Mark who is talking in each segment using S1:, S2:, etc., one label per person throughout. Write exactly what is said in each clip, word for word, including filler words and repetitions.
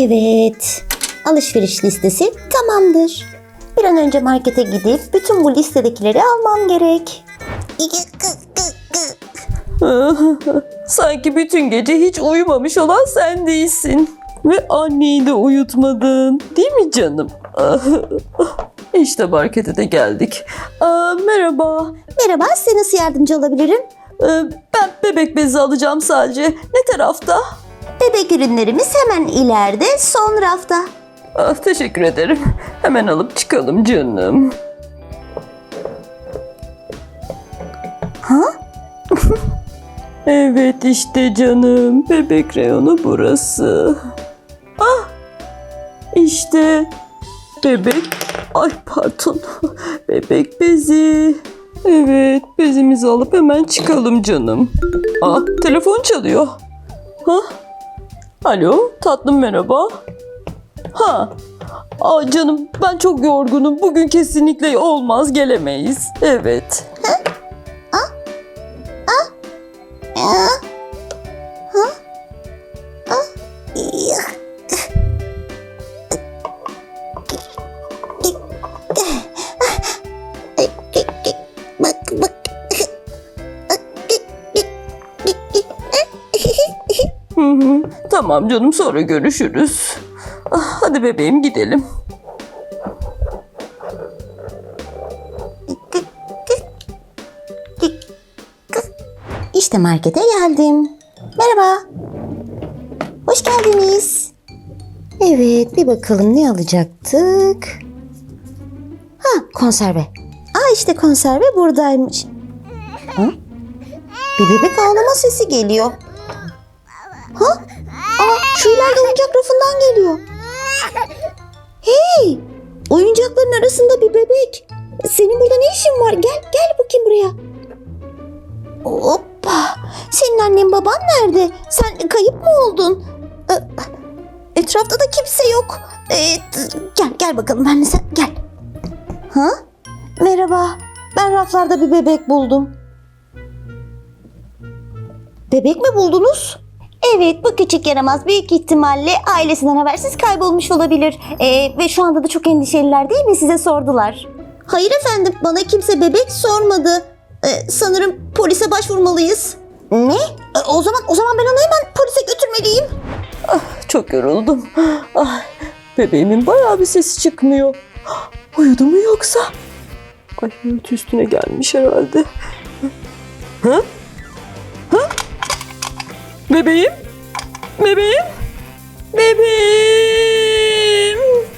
S1: Evet. Alışveriş listesi tamamdır. Bir an önce markete gidip bütün bu listedekileri almam gerek.
S2: Sanki bütün gece hiç uyumamış olan sen değilsin. Ve anneyi de uyutmadın. Değil mi canım? İşte markete de geldik. Aa, merhaba.
S1: Merhaba, size nasıl yardımcı olabilirim?
S2: Ee, ben bebek bezi alacağım sadece. Ne tarafta?
S1: Bebek ürünlerimiz hemen ileride, son rafta.
S2: Ah, teşekkür ederim. Hemen alıp çıkalım canım.
S1: Ha?
S2: Evet işte canım. Bebek reyonu burası. Ah! İşte bebek... Ay pardon. Bebek bezi. Evet, bezimizi alıp hemen çıkalım canım. Ah, telefon çalıyor. Ha? Alo, tatlım merhaba. Ha. Aa canım, ben çok yorgunum. Bugün kesinlikle olmaz, gelemeyiz. Evet.
S1: Bak bak.
S2: Hı hı. Tamam canım, sonra görüşürüz. Ah, hadi bebeğim gidelim.
S1: İşte markete geldim. Merhaba. Hoş geldiniz. Evet, bir bakalım ne alacaktık. Ha, konserve. Aa, işte konserve buradaymış. Ha? Bir bebek ağlama sesi geliyor. Ha? Aa, şu ileride oyuncak rafından geliyor. Hey! Oyuncakların arasında bir bebek. Senin burada ne işin var? Gel, gel bakayım buraya. Hoppa! Senin annen baban nerede? Sen kayıp mı oldun? Ee, Etrafta da kimse yok. Ee, gel, gel bakalım benimle sen. Gel. Ha? Merhaba. Ben raflarda bir bebek buldum. Bebek mi buldunuz? Evet, bu küçük yaramaz büyük ihtimalle ailesinden habersiz kaybolmuş olabilir. Ee, ve şu anda da çok endişeliler değil mi? Size sordular. Hayır efendim, bana kimse bebek sormadı. Ee, sanırım polise başvurmalıyız. Ne? Ee, o zaman o zaman ben onu hemen polise götürmeliyim.
S2: Ah, çok yoruldum. Ah, bebeğimin bayağı bir sesi çıkmıyor. Uyudu mu yoksa? Ay, örtü üstüne gelmiş herhalde. Ha? Ha? Bebeğim? Bebeğim? Bebeğim?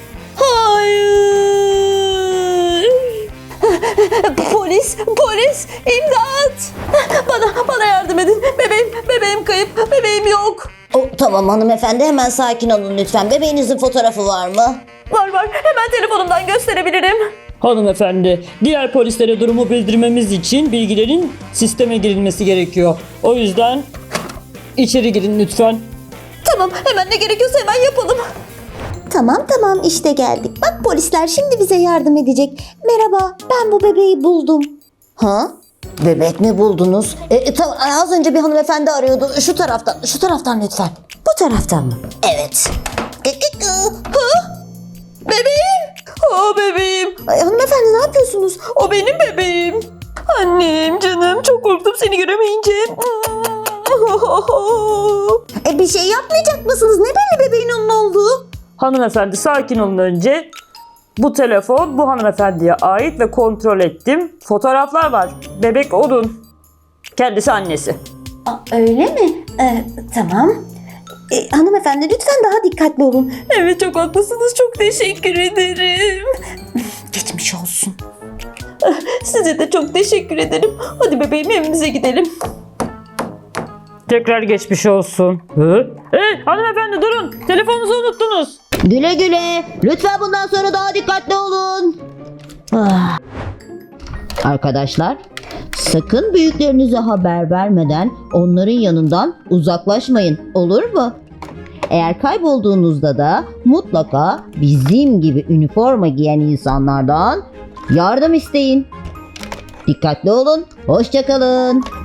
S2: Hayır! Polis! Polis! İmdat! Bana, bana yardım edin. Bebeğim, bebeğim kayıp. Bebeğim yok.
S1: O, tamam hanımefendi, hemen sakin olun lütfen. Bebeğinizin fotoğrafı var mı?
S2: Var var. Hemen telefonumdan gösterebilirim.
S3: Hanımefendi, diğer polislere durumu bildirmemiz için bilgilerin sisteme girilmesi gerekiyor. O yüzden içeri girin lütfen.
S2: Tamam, hemen ne gerekiyorsa hemen yapalım.
S1: Tamam tamam, işte geldik. Bak, polisler şimdi bize yardım edecek. Merhaba, ben bu bebeği buldum. Ha? Bebek mi buldunuz? E, e, tamam, az önce bir hanımefendi arıyordu. Şu taraftan, şu taraftan lütfen. Bu taraftan mı? Evet.
S2: Ha? Bebeğim. O bebeğim.
S1: Ay, hanımefendi ne yapıyorsunuz?
S2: O benim bebeğim. Annem canım, çok korktum seni göremeyince.
S1: E, bir şey yapmayacak mısınız? Ne belli bebeğin onun olduğu?
S3: Hanımefendi sakin olun önce. Bu telefon bu hanımefendiye ait ve kontrol ettim. Fotoğraflar var. Bebek onun. Kendisi annesi.
S1: Aa, öyle mi? Ee, tamam. E, hanımefendi lütfen daha dikkatli olun.
S2: Evet, çok haklısınız. Çok teşekkür ederim.
S1: Geçmiş olsun.
S2: Size de çok teşekkür ederim. Hadi bebeğim, evimize gidelim.
S3: Tekrar geçmiş olsun. Hı? Hey hanımefendi durun. Telefonunuzu unuttunuz.
S1: Güle güle. Lütfen bundan sonra daha dikkatli olun. Ah. Arkadaşlar, sakın büyüklerinize haber vermeden onların yanından uzaklaşmayın. Olur mu? Eğer kaybolduğunuzda da mutlaka bizim gibi üniforma giyen insanlardan yardım isteyin. Dikkatli olun. Hoşça kalın.